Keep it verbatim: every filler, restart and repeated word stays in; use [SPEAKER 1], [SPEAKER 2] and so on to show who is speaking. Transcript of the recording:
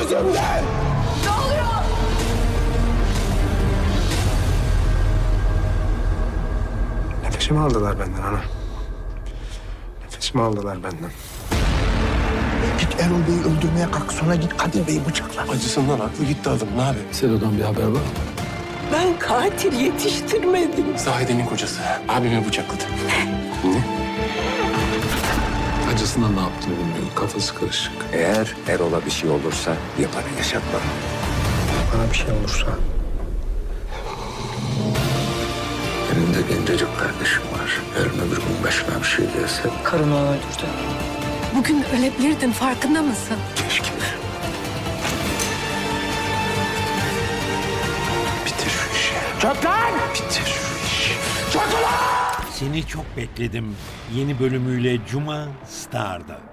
[SPEAKER 1] yüzümden!
[SPEAKER 2] Ne oluyor?
[SPEAKER 1] Nefesimi aldılar benden ana. Nefesimi aldılar benden.
[SPEAKER 3] Git Erol Bey'i öldürmeye kalk, sonra git Kadir Bey'i bıçakla.
[SPEAKER 1] Acısından aklı gitti adam. Ne yapayım?
[SPEAKER 4] Selo'dan bir haber var mı?
[SPEAKER 2] Ben katil yetiştirmedim.
[SPEAKER 1] Zahide'nin kocası. Abimi bıçakladı. Ne?
[SPEAKER 4] Acısından ne yaptığını bilmiyor. Kafası karışık.
[SPEAKER 3] Eğer Erol'a bir şey olursa yapanı yaşatma.
[SPEAKER 1] Bana bir şey olursa
[SPEAKER 3] Benim de gencecik kardeşim var. Yarın öbür gün başına bir şey gelse
[SPEAKER 2] Karını öldürdü.
[SPEAKER 5] Bugün ölebilirdin, farkında mısın?
[SPEAKER 3] keşke.
[SPEAKER 1] bitir şu işi. Çök lan! Bitir şu işi. Çök lan!
[SPEAKER 6] Seni çok bekledim. Yeni bölümüyle Cuma Star'da.